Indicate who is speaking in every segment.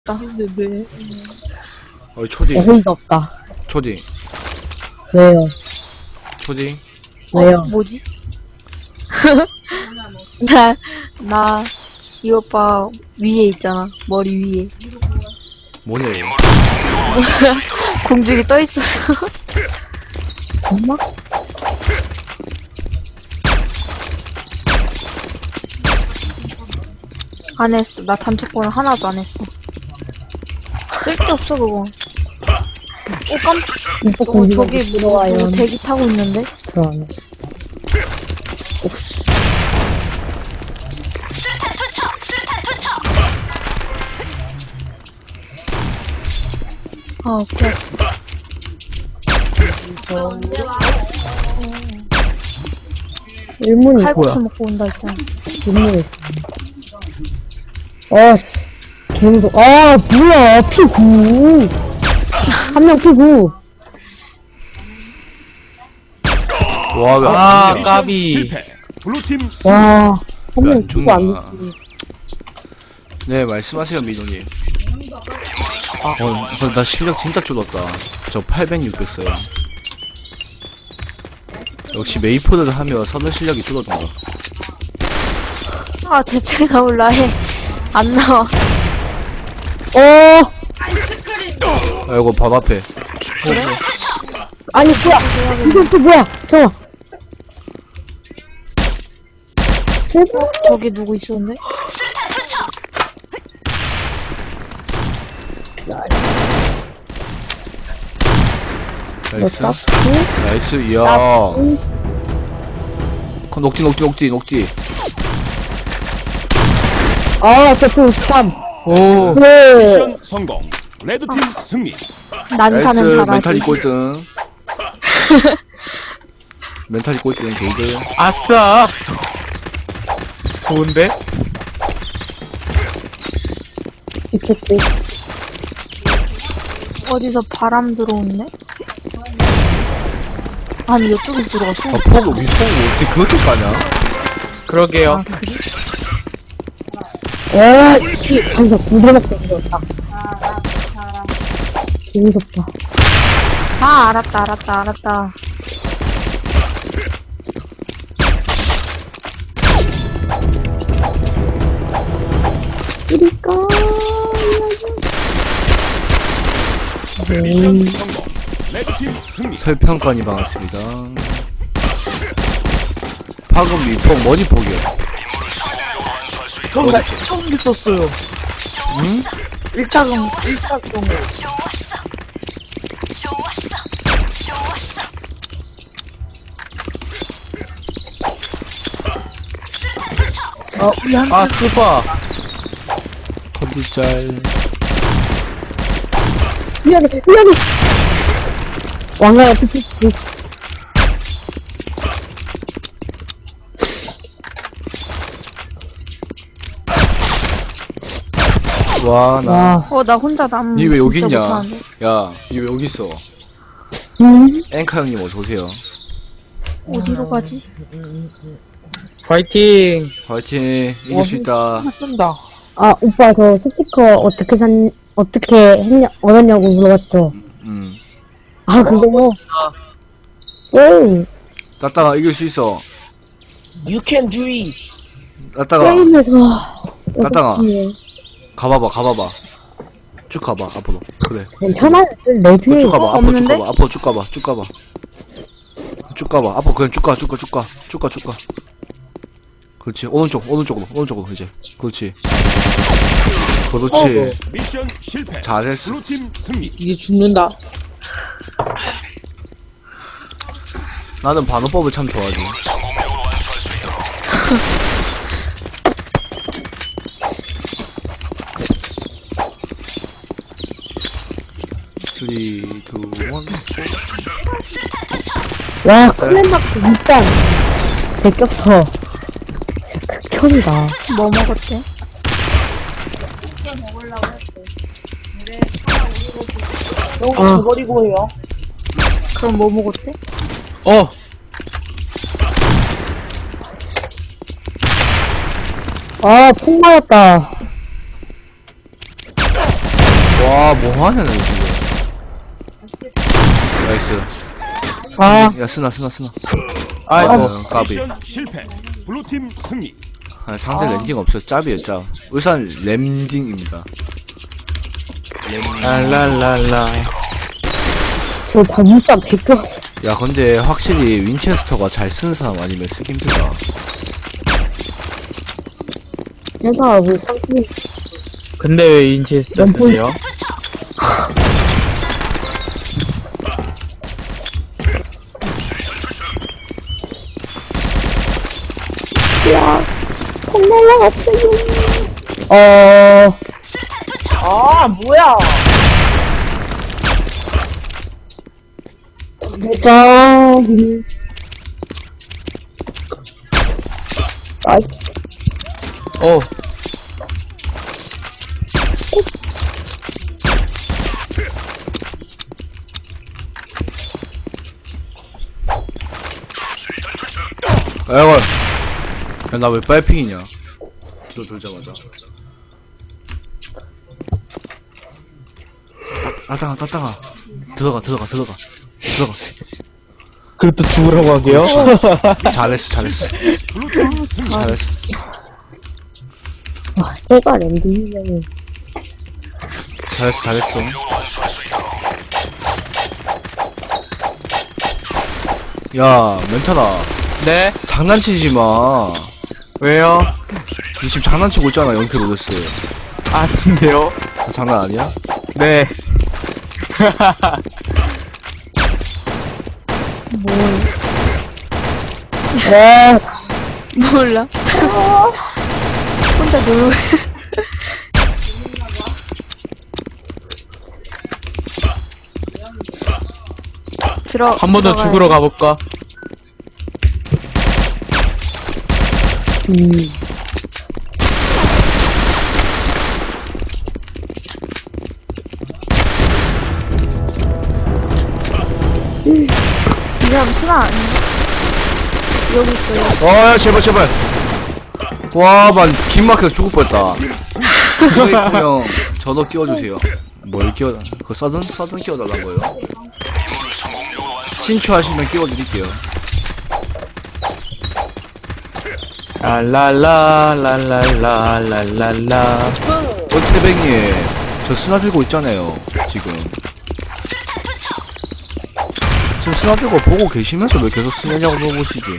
Speaker 1: 했는데.
Speaker 2: 초딩.
Speaker 3: 어이가 없다.
Speaker 2: 초딩.
Speaker 3: 왜요?
Speaker 2: 초딩.
Speaker 3: 왜요?
Speaker 1: 뭐지? 나, 이 오빠 위에 있잖아. 머리 위에.
Speaker 2: 뭐냐 얘.
Speaker 1: 공중에 떠있었어.
Speaker 3: 엄마?
Speaker 1: 안 했어. 나 단축번호 하나도 안 했어. 쓸데없어, 그거.
Speaker 3: 이거
Speaker 1: 저기
Speaker 3: 공기가
Speaker 1: 뭐
Speaker 3: 들어와요.
Speaker 1: 대기 타고 있는데?
Speaker 3: 들어와요.
Speaker 1: 아, 오케이.
Speaker 3: 일문이
Speaker 1: 칼국수 먹고 온다 했잖아.
Speaker 3: 일문이 아씨 개무서 아 뭐야 P9 한 명 P9
Speaker 2: 와, 왜
Speaker 4: 아,
Speaker 2: 안 죽냐?
Speaker 4: 까비.
Speaker 5: 실패. 블루팀
Speaker 3: 와 한 명
Speaker 2: 안
Speaker 3: P9 안
Speaker 2: 죽나?
Speaker 3: 죽지
Speaker 2: 네, 말씀하세요, 민호님. 나 실력 진짜 줄었다. 저 800, 600 써요. 역시 메이포드를 하면 서는 실력이 줄어든다.
Speaker 1: 아, 대체 나올라 해. 안 나와.
Speaker 2: 아이고, 바로 앞에.
Speaker 3: 아니 뭐야 이건 또 뭐야 잠깐만 제발
Speaker 1: 저기 누구 있었는데?
Speaker 2: 나이스.
Speaker 3: 나이스
Speaker 2: 나이스, 이야. 녹지.
Speaker 3: 아 대표 53
Speaker 4: 오,
Speaker 3: 네
Speaker 5: 미션 성공. 레드팀 승리.
Speaker 1: 난사는
Speaker 2: 나이스,
Speaker 1: 잘하지.
Speaker 2: 멘탈이 꼴등. 멘탈이 꼴등, 게이드.
Speaker 4: 아싸. 좋은데?
Speaker 3: 이렇게
Speaker 1: 어디서 바람 들어오네? 아니, 이쪽에서 들어갔어.
Speaker 2: 아, 폭을 어떻게 그렇게 까냐?
Speaker 4: 그러게요.
Speaker 1: 아, 그래?
Speaker 3: 와씨 감사 부드럽게 들었다 개무섭다
Speaker 1: 아, 알았다.
Speaker 3: 그니까
Speaker 5: 미션 성공. 레드팀 승리.
Speaker 2: 설평관이 반갑습니다. 파급 미폭 머리폭이요.
Speaker 4: 형, 나 처음 듣었어요.
Speaker 2: 응?
Speaker 4: 1차경. 아, 스파.
Speaker 2: 컨디짤.
Speaker 3: 미안해 왕가야 피피
Speaker 2: 와, 나.
Speaker 3: 와
Speaker 1: 나 혼자 남.
Speaker 2: 니 왜 여기
Speaker 1: 진짜
Speaker 2: 있냐?
Speaker 1: 못하는데.
Speaker 2: 야, 니 왜 여기 있어? 앵카 형님 어서오세요.
Speaker 1: 어디로 가지?
Speaker 4: 파이팅.
Speaker 2: 화이팅, 이길 수 있다.
Speaker 4: 쏜다.
Speaker 3: 아, 오빠, 저 스티커 어떻게 얻었냐고 물어봤죠. 아, 그거 뭐. 게임,
Speaker 2: 따따가 이길 수 있어.
Speaker 4: You can do it.
Speaker 2: 따따가,
Speaker 3: 게임에서.
Speaker 2: 따따가.
Speaker 3: 어떡해.
Speaker 2: 가봐봐. 쭉 가봐, 앞으로. 그래.
Speaker 3: 괜찮아요. 레드에.
Speaker 2: 쭉 가봐, 앞으로 쭉
Speaker 1: 없는데?
Speaker 2: 가봐, 앞으로 쭉 가봐. 쭉 가봐, 앞으로 그냥 쭉 가. 그렇지, 오른쪽으로, 이제. 그렇지.
Speaker 5: 미션 실패.
Speaker 2: 잘했어.
Speaker 5: 블루팀 승리.
Speaker 4: 이게 죽는다.
Speaker 2: 나는 반호법을 참 좋아하지. 쓰리, 투, 원.
Speaker 3: 와, 클랜마크 일단. 베꼈어. 진짜 극혐이다.
Speaker 1: 뭐 먹었대?
Speaker 3: 아,
Speaker 1: 그럼 뭐 먹었대?
Speaker 3: 아, 폭 맞았다.
Speaker 2: 와, 뭐하냐, 너 지금. 나이스.
Speaker 3: 아,
Speaker 2: 야, 쓰나.
Speaker 4: 아이고.
Speaker 2: 까비.
Speaker 5: 미션 실패. 블루팀 승리.
Speaker 2: 아, 상대 랜딩 없어. 짭이에요, 짭. 울산 랜딩입니다.
Speaker 4: 랄랄랄라.
Speaker 3: 저 단무쌈 베껴.
Speaker 2: 야, 근데 확실히 윈체스터가 잘 쓰는 사람 아니면 쓰기 힘들다.
Speaker 3: 내가 왜 상품이
Speaker 4: 근데 왜 인체스터 쓰세요?
Speaker 3: 아, 뭐야. 내가, 나이스.
Speaker 4: 어.
Speaker 2: 아이고. 야, 나 왜 빨핑이냐. 돌자마자. 따따가. 들어가.
Speaker 4: 그리고 또 죽으라고 하게요?
Speaker 2: 잘했어.
Speaker 5: 블루팀 승리.
Speaker 2: 잘했어.
Speaker 3: 와, 제가 랜딩이면은.
Speaker 2: 잘했어. 야, 멘탈아.
Speaker 4: 네?
Speaker 2: 장난치지 마.
Speaker 4: 왜요?
Speaker 2: 너 지금 장난치고 있잖아, 연킬 로데스.
Speaker 4: 아닌데요?
Speaker 2: 다 장난 아니야?
Speaker 4: 네.
Speaker 3: 와,
Speaker 1: 몰라. 혼자 놀고.
Speaker 4: 한 번 더 죽으러 가볼까?
Speaker 1: 이 사람 순아 아니야? 여기 있어요.
Speaker 2: 야, 제발. 와, 긴 막혀서 죽을 뻔했다. 이거 형, 저도 끼워주세요. 뭘 끼워, 그 서든 끼워달란 거예요. 친추하시면 끼워드릴게요.
Speaker 4: 랄랄랄랄랄랄랄라.
Speaker 2: 태뱅이, 저 스나 들고 있잖아요, 지금 스나 들고 보고 계시면서 왜 계속 스냐냐고 물어보시지.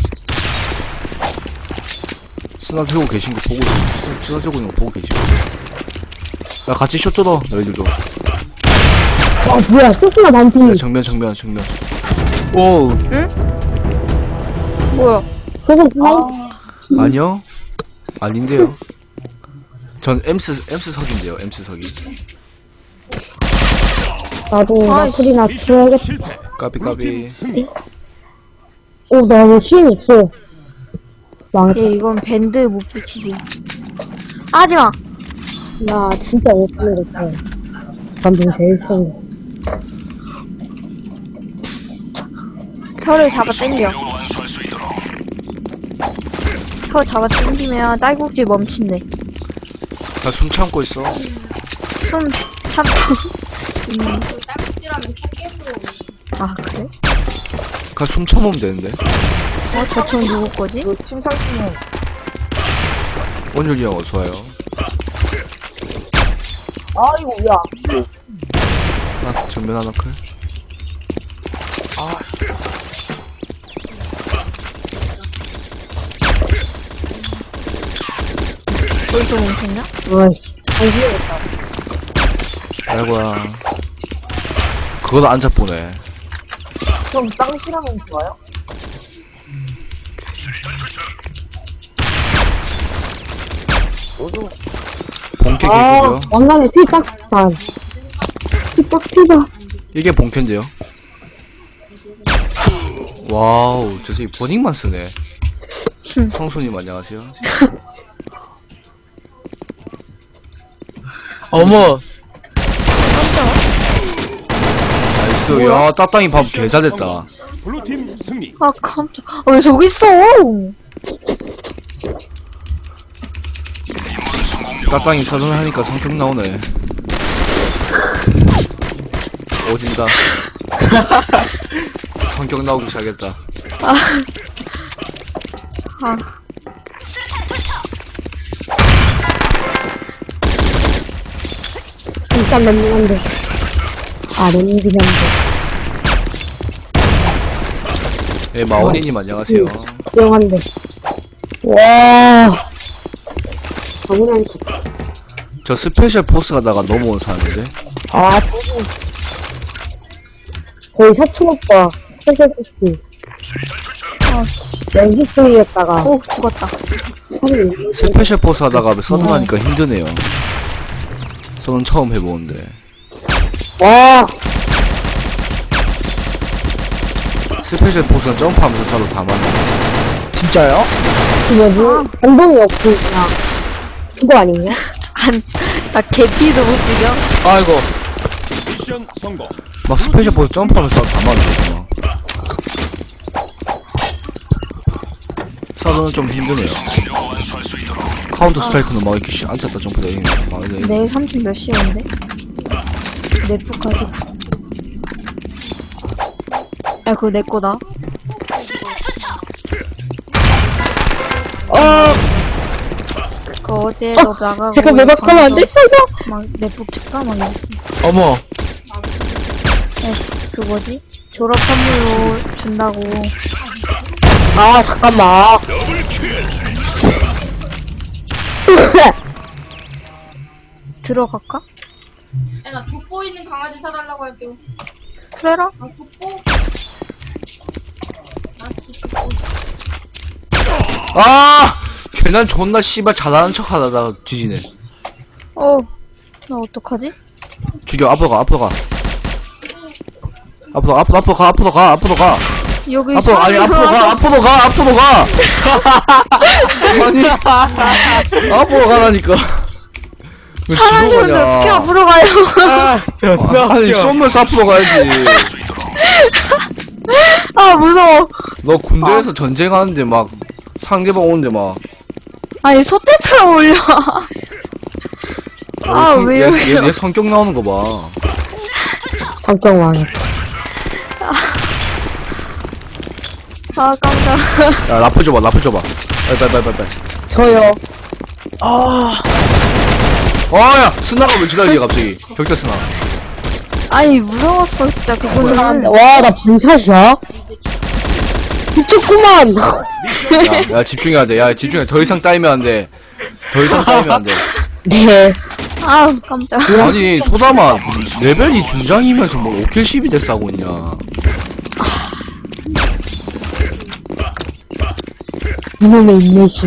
Speaker 2: 스나 들고 계신 거 보고, 스나 들고 있는 거 보고 계시면서. 야, 같이 숏 뜯어, 너희들도.
Speaker 3: 와, 뭐야, 소스나 반피.
Speaker 2: 야, 정면.
Speaker 4: 오.
Speaker 1: 뭐야?
Speaker 3: 저건 스나이,
Speaker 2: 아니요? 아닌데요? 전 엠스 석인데요, 엠스 석이.
Speaker 3: 나도 나풀이나
Speaker 5: 미션
Speaker 3: 줘야겠다.
Speaker 5: 실패.
Speaker 2: 까비.
Speaker 5: 블루팀 승리.
Speaker 3: 오, 나 왜 시인 없어. 망했다.
Speaker 1: 얘 이건 밴드 못 붙이지. 하지마!
Speaker 3: 나 진짜 못 보내겠다. 감동 제일 처음.
Speaker 1: 혀를 잡아 당겨. 혀 잡아 당기면 딸꾹질 멈춘대.
Speaker 2: 나 숨 참고 있어.
Speaker 1: 숨 참고. 아, 그래?
Speaker 2: 그냥 숨 참으면 되는데.
Speaker 1: 저총 누구 거지?
Speaker 4: 침상팀은
Speaker 2: 원율이 형 어서와요.
Speaker 4: 아이고, 야.
Speaker 2: 하나, 정면 하나 클.
Speaker 1: 어디서 멈췄냐?
Speaker 3: 아이씨, 안쓰겠다.
Speaker 2: 아이고야. 그거도 안 잡보네.
Speaker 4: 그럼 쌍시라면 좋아요?
Speaker 2: 본캐기고요.
Speaker 3: 왕관에 피 딱, 반. 피다.
Speaker 2: 이게 본캐인데요. 와우, 저 새끼 버닝만 쓰네. 성수님 안녕하세요.
Speaker 4: 어머.
Speaker 2: 나이스. 야, 따땅이 밥 개 잘했다.
Speaker 5: 블루팀 승리.
Speaker 1: 아, 깜짝. 아, 왜 저기 있어?
Speaker 2: 따땅이 서른 하니까 성격 나오네. 오진다. 성격 나오기 시작했다.
Speaker 1: 아,
Speaker 3: 일단 랜딩한데. 아, 랜딩한데.
Speaker 2: 네, 마오니님 안녕하세요.
Speaker 3: 조용한데. 와. 당연한 거.
Speaker 2: 저 스페셜 포스 가다가 넘어온 사람인데.
Speaker 3: 아, 저거. 거의 사촌 오빠. 스페셜 포스. 연기성이었다가.
Speaker 1: 오, 죽었다.
Speaker 2: 스페셜 포스 하다가 서든 하니까 힘드네요. 서든 처음 해보는데.
Speaker 3: 와.
Speaker 2: 스페셜 포스는 점프하면서 서로 다 맞네.
Speaker 6: 진짜요?
Speaker 3: 그 뭐지? 반동이 없고, 그냥. 그거 아닌가?
Speaker 1: 나 개피도 못 죽여.
Speaker 6: 아이고.
Speaker 5: 미션 성공.
Speaker 2: 막 스페셜 포스 점프하면서 서로 다 맞네. 서든은 좀 힘드네요. 카운터 스트라이크는 막 이렇게 앉았다 점프다 이게.
Speaker 1: 내일 삼촌 몇 시인데? 넷북 가지고. 야, 그거 내 거다. 그 어제 너 나가고.
Speaker 3: 제가 매박하면 안 될 거야?
Speaker 1: 막 넷북 줄까? 막 이랬어.
Speaker 6: 어머.
Speaker 1: 그 뭐지? 졸업 선물로 준다고.
Speaker 3: 아, 잠깐만.
Speaker 1: 들어갈까?
Speaker 7: 야, 나 돋보 있는 강아지 사달라고 할게요.
Speaker 1: 그래라?
Speaker 7: 아, 돋보?
Speaker 2: 아! 걔난 존나 씨발 잘하는 척 하다가 뒤지네.
Speaker 1: 나 어떡하지?
Speaker 2: 죽여, 앞으로 가, 앞으로 가. 앞으로 가.
Speaker 1: 여기
Speaker 2: 앞으로, 아니, 앞으로 가. 아니, 앞으로 가라니까. 왜
Speaker 1: 사람이
Speaker 2: 뒤로
Speaker 1: 근데
Speaker 2: 가냐.
Speaker 1: 어떻게 앞으로 가요?
Speaker 6: 아, 존나
Speaker 2: 아니,
Speaker 6: 웃겨.
Speaker 2: 쏘면서 앞으로 가야지.
Speaker 1: 아, 무서워.
Speaker 2: 너 군대에서 전쟁하는데 막, 상대방 오는데 막.
Speaker 1: 아니, 소떼처럼 올려. 아, 왜요?
Speaker 2: 얘 성격 나오는 거 봐.
Speaker 3: 성격 왕.
Speaker 1: 아, 깜짝.
Speaker 2: 야, 라플 줘봐. 빨리.
Speaker 3: 저요.
Speaker 2: 야! 스나가 왜 지랄이야, 갑자기. 격자 스나.
Speaker 1: 아니, 무서웠어, 진짜, 그거는.
Speaker 3: 와, 나 분샷이야? 미쳤구만.
Speaker 2: 야, 집중해야 돼. 야, 집중해. 더 이상 따이면 안 돼.
Speaker 3: 네.
Speaker 1: 아, 깜짝.
Speaker 2: 아니, 소담아, 레벨이 중장이면서 뭐 5킬 12대 싸고 있냐.
Speaker 3: 이놈의 인내심.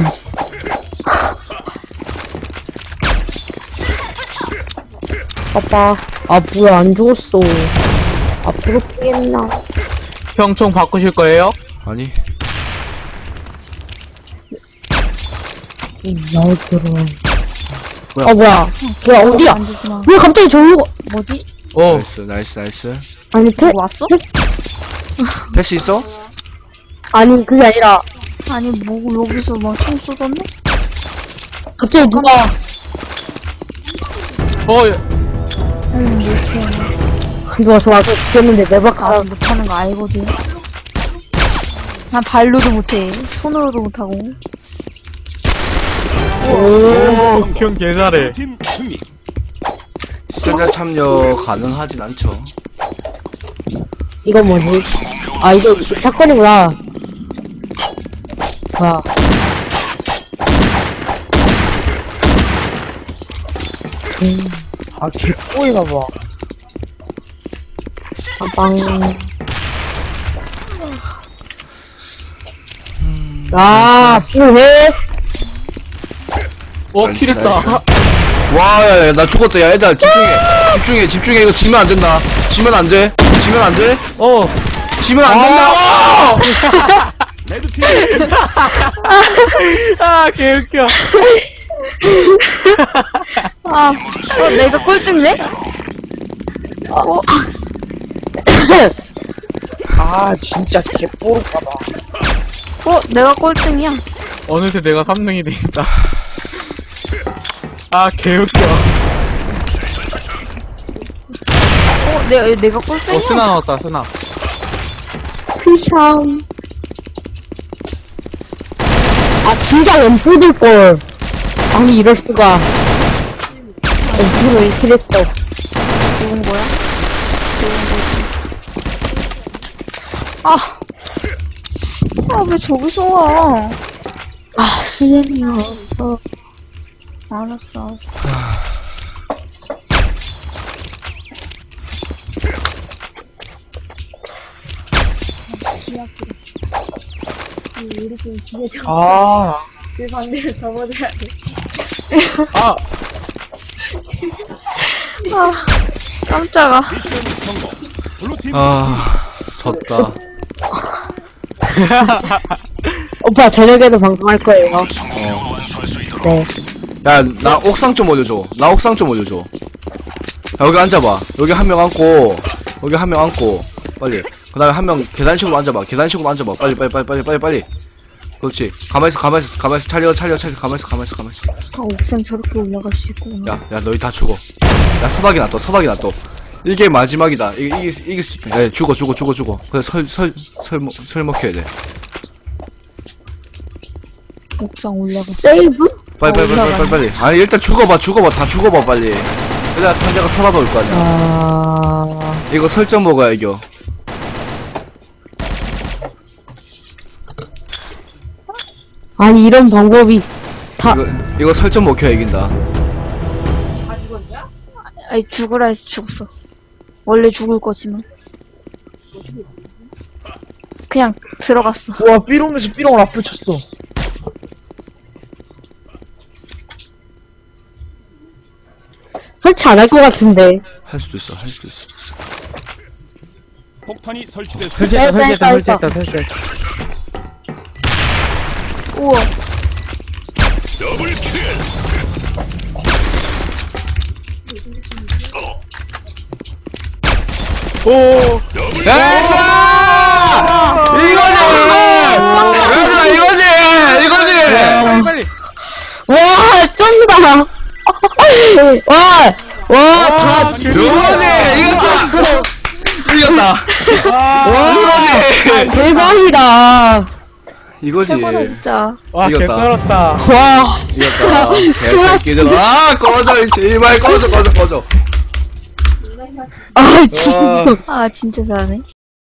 Speaker 3: 아빠. 아, 뭐야, 안 죽었어. 앞으로 뛰겠나?
Speaker 6: 형총 바꾸실 거예요?
Speaker 2: 아니,
Speaker 3: 나오더라.
Speaker 2: 뭐야?
Speaker 3: 아, 뭐야. 걔 어디야?
Speaker 1: 만지지 마.
Speaker 3: 왜 갑자기 저기로 가?
Speaker 1: 뭐지?
Speaker 6: 오.
Speaker 2: 나이스.
Speaker 3: 아니,
Speaker 1: 뭐 왔어?
Speaker 3: 패스.
Speaker 2: 패스 있어?
Speaker 3: 아니, 그게 아니라,
Speaker 1: 아니, 뭐, 여기서 막 총 쏘던데?
Speaker 3: 갑자기 누가, 누가 좋아서 죽였는데 매박
Speaker 1: 아,
Speaker 3: 가.
Speaker 1: 못하는 거 알거든. 난 발로도 못해. 손으로도 못하고.
Speaker 6: 오, 형 개잘해.
Speaker 5: 팀 승리.
Speaker 2: 시청자 참여 가능하진 않죠.
Speaker 3: 이건 뭐지? 아, 이거 사건이구나. 뭐야.
Speaker 6: 아, 개꼬이나봐.
Speaker 3: 빵. 아, 왜?
Speaker 6: 킬했다.
Speaker 2: 와, 야, 나 죽었다. 야, 애들 집중해. 이거 지면 안 된다. 지면 안 돼. 지면 안 된다고!
Speaker 5: 레드팀
Speaker 6: 아, 개웃겨.
Speaker 1: 내가 꼴등네?
Speaker 6: 아, 진짜 개뽀르까봐.
Speaker 1: 내가 꼴등이야.
Speaker 6: 어느새 내가 3등이 되겠다. 아, 개웃겨.
Speaker 1: 내가 꼴등이야?
Speaker 6: 스나 나왔다, 스나.
Speaker 3: 피샴. 아, 진짜 왼포들걸. 아니, 이럴수가. 왼포로 이렇게 됐어.
Speaker 1: 좋은 거야? 좋은 거지. 왜 저기서 와?
Speaker 3: 아, 시간이 없어.
Speaker 1: 알았어.
Speaker 6: 아,
Speaker 7: 그 반대로 접어줘야 돼.
Speaker 6: 아,
Speaker 1: 깜짝아.
Speaker 5: 미션 성공. 블루팀
Speaker 2: 졌다.
Speaker 3: 오빠, 저녁에도 방송할 거예요. 네.
Speaker 2: 야, 나 옥상 좀 올려줘. 나 옥상 좀 올려줘. 야, 여기 앉아봐. 여기 한 명 앉고, 여기 한 명 앉고, 빨리. 그 다음에 한 명 계단식으로 앉아봐. 계단식으로 앉아봐. 빨리. 그렇지. 가만있어. 차려. 가만있어.
Speaker 1: 옥상 저렇게 올라갈 수 있구나.
Speaker 2: 야, 너희 다 죽어. 야, 서박이 놔둬. 이게 마지막이다. 이길 수 있다. 야, 죽어. 그래, 설 먹혀야 돼.
Speaker 1: 옥상 올라가.
Speaker 3: 세이브?
Speaker 2: 빨리. 아니, 일단 죽어봐. 다 죽어봐, 빨리. 그래야 상대가 살아도 올 거 아니야.
Speaker 3: 아,
Speaker 2: 이거 설정 먹어야 이겨.
Speaker 3: 아니, 이런 방법이 다,
Speaker 2: 이거 설정 먹혀야 이긴다.
Speaker 7: 다 죽었냐?
Speaker 1: 아니, 죽으라 해서 죽었어. 원래 죽을 거지만. 그냥 들어갔어.
Speaker 6: 와, 삐롱에서 삐롱을 앞을 쳤어.
Speaker 3: 설치 안 할 것 같은데.
Speaker 2: 할 수도 있어.
Speaker 5: 폭탄이 설치됐습니다.
Speaker 6: 설치했다.
Speaker 1: 우와.
Speaker 6: 오,
Speaker 2: 나이스! 이거지!
Speaker 6: 빨리.
Speaker 3: 와, 쩐다! 다,
Speaker 2: 이겼다!
Speaker 3: 대박이다.
Speaker 2: 이거지!
Speaker 1: 최고다, 진짜.
Speaker 6: 와,
Speaker 2: 이겼다.
Speaker 6: 개쩔었다.
Speaker 3: 와,
Speaker 2: 이겼다. 개새끼들. 꺼져, 제발 꺼져.
Speaker 3: 아, 진짜.
Speaker 1: 진짜 잘하네.